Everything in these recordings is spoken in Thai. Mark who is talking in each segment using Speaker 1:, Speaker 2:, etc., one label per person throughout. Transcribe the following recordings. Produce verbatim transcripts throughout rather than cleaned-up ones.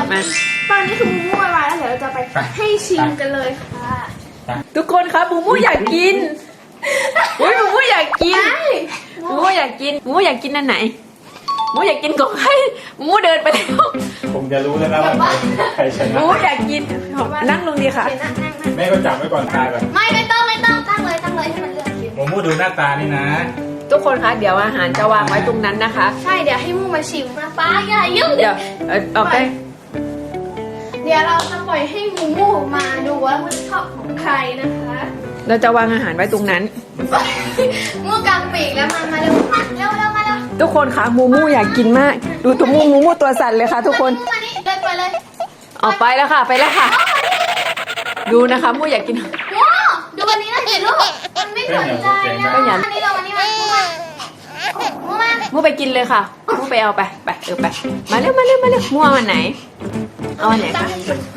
Speaker 1: มา
Speaker 2: ตอนนี้คือมูมูวายแล้วเดี๋ยวเราจะไปให้ชิมกันเลยค่ะ
Speaker 1: ทุกคนคะมูมูอยากกินอุ้ยมูมูอยากกินมูมูอยากกินมูมูอยากกินอันไหนมูอยากกินของใครมูมูเดินไปแล้ว
Speaker 3: ผมจะรู้แล้วนะว่าใครชนะ
Speaker 1: มูมูอยากกินนั่งลงดีค่ะ
Speaker 3: แม่ก็จับไว้ก่อนตายก่อน
Speaker 2: ไม่ไม่ต้องไม่ต้องตั้งเลยตั้งเลยให้มันเลือกกิน
Speaker 3: มูมูดูหน้าตานี่นะ
Speaker 1: ทุกคนคะเดี๋ยวอาหารจะวางไว้ตรงนั้นนะคะ
Speaker 2: ใช่เดี๋ยวให้มูมาชิมนะป้าอย่ายุ่ง
Speaker 1: เดี๋ยวเอาไป
Speaker 2: เดี๋ยวเราจะปล่อยให้มูมูมาดูว่ามันชอบของใครนะคะ
Speaker 1: เราจะวางอาหารไว้ตรงนั้น
Speaker 2: มูกางปีกแล้วมามาเร็วมาเร็วเร็วมาเร็ว
Speaker 1: ทุกคนคะมูมูอยากกินมากดูตัวมูมูมูตัวสั่นเลยค่ะทุกคน
Speaker 2: มานี่เดินไปเลย
Speaker 1: ออกไปแล้วค่ะไปแล้วค่ะดูนะคะมูอยากกิน
Speaker 2: ว้าวดูวันนี้นะเห็นลูกมันไม่สนใจนะอันนี้เราวันนี้มามูมามูมา
Speaker 1: มูไปกินเลยค่ะมูไปเอาไปไปเออไปมาเร็วมาเร็วมาเร็วมูเอาอันไหนเอาอันไหนคะ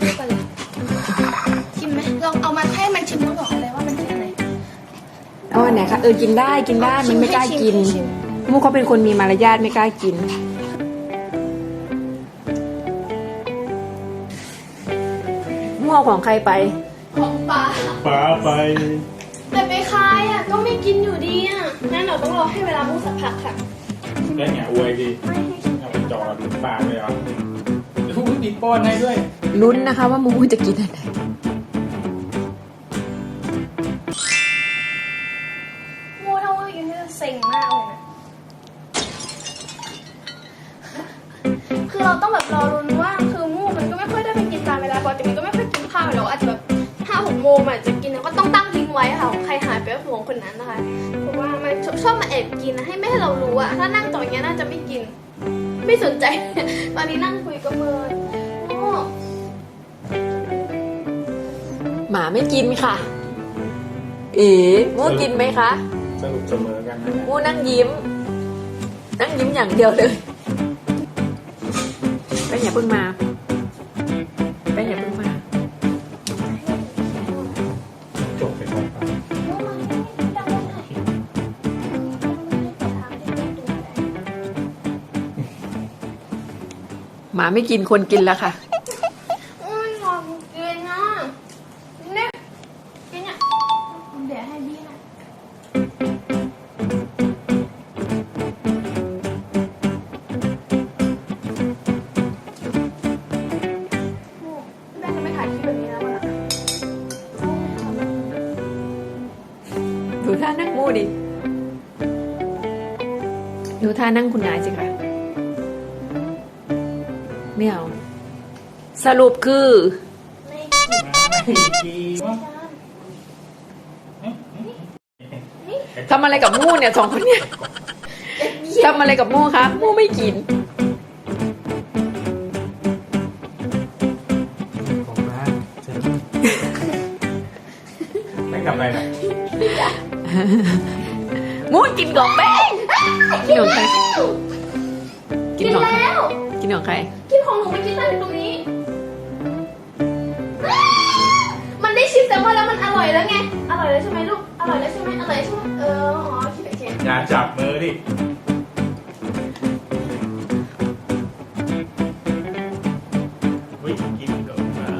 Speaker 2: ชิมไหมลองเอามาให้มันชิมแล้วบอกเลยว่ามันเป็นอะไร
Speaker 1: เอาอันไหนคะเออกินได้กินได้มันไม่กล้ากินมูเขาเป็นคนมีมารยาทไม่กล้ากินมูเอาของใครไป
Speaker 2: ของป้า
Speaker 3: ป้าไป
Speaker 2: แต่ไปคายอ่ะก็ไม่กินอยู่ดีอ่ะงั้นเราต้องรอให้เวลามูสักพักค่ะ
Speaker 3: ได้ไงอวยดีเอาไปจ่อถึงปากเลยเหรอทุกคนติดป้อนให้ด้วย
Speaker 1: ลุ้นนะคะว่ามูมูจะกินอะไร
Speaker 2: มูถ้ามูกินจะเซ็งมากเลยนะคือเราต้องแบบรอรุ้นว่าคือมูมันก็ไม่ค่อยได้ไปกินตามเวลาปกติมันก็ไม่ค่อยกินข้าวเราอาจจะแบบห้าหกโมงอาจจะกินก็ต้องตั้งทิ้งไว้ค่ะของใครหายไปก็ของคนนั้นนะคะเพราะว่ามันชอบมาแอบกินนะให้ไม่ให้เรารู้อะถ้านั่งตรงนี้น่าจะไม่กินไม่สนใจตอนนี้นั่งคุยกับเมิน
Speaker 1: หมาไม่กินค่ะเอ๋มูกินไหมคะ
Speaker 3: สรุปเสมอกันนะ
Speaker 1: มูนั่งยิ้มนั่งยิ้มอย่างเดียวเลยไปอย่าเพิ่งมาไปอย่าเพิ่งมา
Speaker 3: จบไปก่อน
Speaker 1: หมาไม่กินคนกินแล้วค่ะ
Speaker 2: อุ้ยงอมกินนะเนี่ยกินเนี่ยเดี๋ยวให้พี่นะแม่จะไม่ถ่ายคลิปแบบนี้แล้วล่ะ
Speaker 1: ดูท่านั่งมูดิดูท่านั่งคุณนายสิคะไม่เอาสรุปคือทำอะไรกับมูเนี่ยสองคนเนี่ยทำอะไรกับมูคะมูไม่กิน
Speaker 3: ของร้านไม่กลับไปนะ
Speaker 1: มูกินของแป้งกินของใคร
Speaker 2: กินแล้ว
Speaker 1: กินของใคร
Speaker 2: กินของหนูไม่กินได้ตรงนี้มันได้ชิมแต่ว่าแล้วมันอร่อยแล้วไงอร่อยแล้วใช่ไหมลูกอร่อยแล้วใช่ไหมอร่อยใช่ไหมเอออ๋อคิดไปเอง
Speaker 3: อย่าจับมือดิวิ่งกินเดี๋ยวมา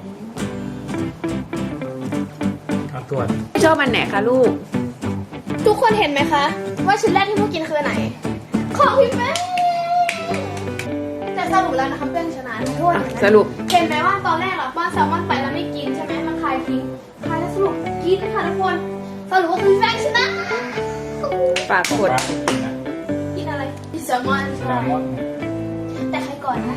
Speaker 3: เอาตรวจ
Speaker 1: ชอบมันไหนคะลูก
Speaker 2: ทุกคนเห็นไหมคะว่าชิ้นแรกที่พวกกินคืออันไหนของพี่แม่แต่สรุปแล้วนะคะเพื่อนชนะทุกคน
Speaker 1: สรุป
Speaker 2: เห็นไหมว่าตอนแรกเราป้อนแซลมอนไปแล้วไม่กินใช่ไหมมันคายทิ้งคายแล้วสรุปกินค่ะทุกคนสรุปว่าคือแฟนชนะ
Speaker 1: ปากกด
Speaker 2: กินอะไรกินแซลมอนใช่แต่ใครก่อนนะ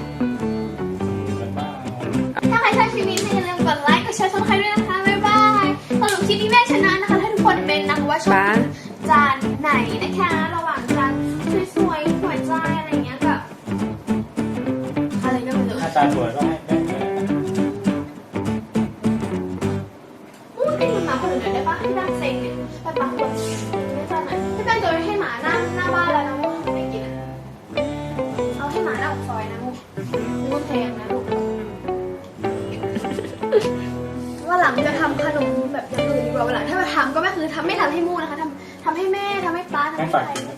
Speaker 2: ถ้าใครชอบคลิปนี้อย่าลืมกดไลค์กดแชร์ช่องใครด้วยนะคะบ๊ายบายสรุปคลิปนี้แม่ชนะนะคะให้ทุกคนเป็นนะคะว่าชอบจานไหนนะคะระหว่างจานสวยๆหัวใจอะไรอย่างเงี้ยกับอะไรก็ไม่รู้
Speaker 3: ตาสวยก็ให้แป้ง
Speaker 2: อู้กินหมาคนอื่นได้ปะที่นั่งเซ็งเนี่ยไปปักคนไม่จานไหนพี่แป้งจะให้หมาหน้าหน้าบ้านแล้วนะมุกไม่กินเอาให้หมาหน้าออกซอยนะมุกมุกแพงนะลูกว่าหลังจะทำขนมแบบอย่างอื่นดีกว่าวันหลังถ้ามาทำก็ไม่คือทำไม่ทำให้มูนะคะทำทำให้แม่ทำให้ป้าทำให้ใคร